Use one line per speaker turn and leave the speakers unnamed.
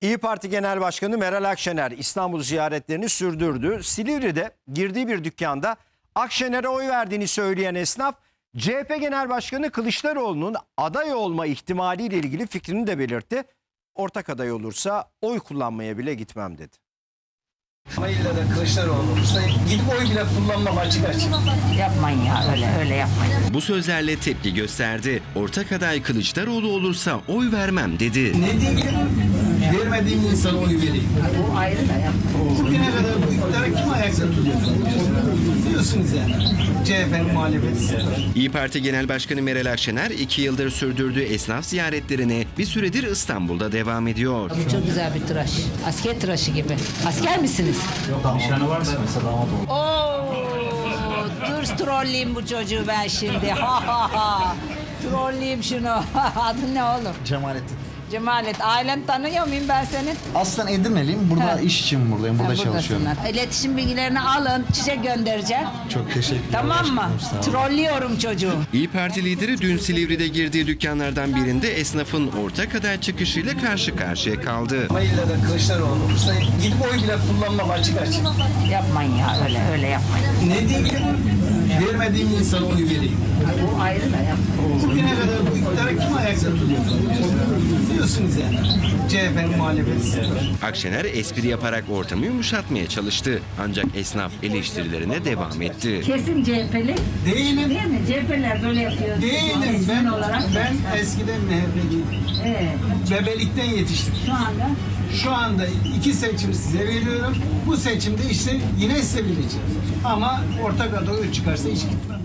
İYİ Parti Genel Başkanı Meral Akşener İstanbul ziyaretlerini sürdürdü. Silivri'de girdiği bir dükkanda Akşener'e oy verdiğini söyleyen esnaf, CHP Genel Başkanı Kılıçdaroğlu'nun aday olma ihtimaliyle ilgili fikrini de belirtti. Ortak aday olursa oy kullanmaya bile gitmem dedi.
Ama illa da Kılıçdaroğlu olursa gidip oy bile kullanmam açık açık.
Yapmayın ya, öyle yapmayın.
Bu sözlerle tepki gösterdi. Ortak aday Kılıçdaroğlu olursa oy vermem dedi.
Ne diyeyim? Vermediğim insana oy vereyim.
Bu ayrı da yapmayın.
Bugüne kadar bu iktidara kim ayakta tutuyor? Biliyorsunuz yani. CHP'nin muhalefeti.
İYİ Parti Genel Başkanı Meral Akşener 2 yıldır sürdürdüğü esnaf ziyaretlerine bir süredir İstanbul'da devam ediyor.
Bu çok güzel bir tıraş. Asker tıraşı gibi. Asker misiniz?
Yok, nişanı varsa mesela damat olur.
Oo, dur trolleyeyim bu çocuğu ben şimdi. Ha ha ha. Trolleyeyim şunu. Adın ne oğlum?
Cemalettin.
Cemalet. Ailen tanıyor muyum ben senin?
Aslen Edirne'liyim. Burada iş için buradayım. Burada çalışıyorum.
Buradasınlar. İletişim bilgilerini alın. Çiçek göndereceğim.
Çok teşekkürler.
Tamam mı?
Başkanım, sağ olun.
Trollüyorum çocuğu.
İYİ Parti lideri dün Silivri'de girdiği dükkanlardan birinde esnafın ortak aday çıkışıyla karşı karşıya kaldı.
Ama illa da Kılıçdaroğlu olursa gidip oy bile kullanmam açık açık.
Yapmayın ya, öyle yapmayın.
Ne diyeyim? Vermediğim insana oy vereyim.
Bu ayrı da yapmayın.
Bugüne kadar bu iktidara kim ayakta tutuyor? Biliyorsunuz yani. CHP'nin muhalefeti.
Akşener espri yaparak ortamı yumuşatmaya çalıştı. Ancak esnaf eleştirilerine devam etti.
Kesin CHP'li.
Değilim.
Değil mi? CHP'ler böyle yapıyor.
Değilim.
Resmen olarak.
Ben eskiden MHP'liydim.
Evet.
Bebelikten yetiştim.
Şu anda
Şu anda 2 seçim size veriyorum. Bu seçimde işte yine size vereceğim. Ama ortak aday çıkarsa hiç gitmem.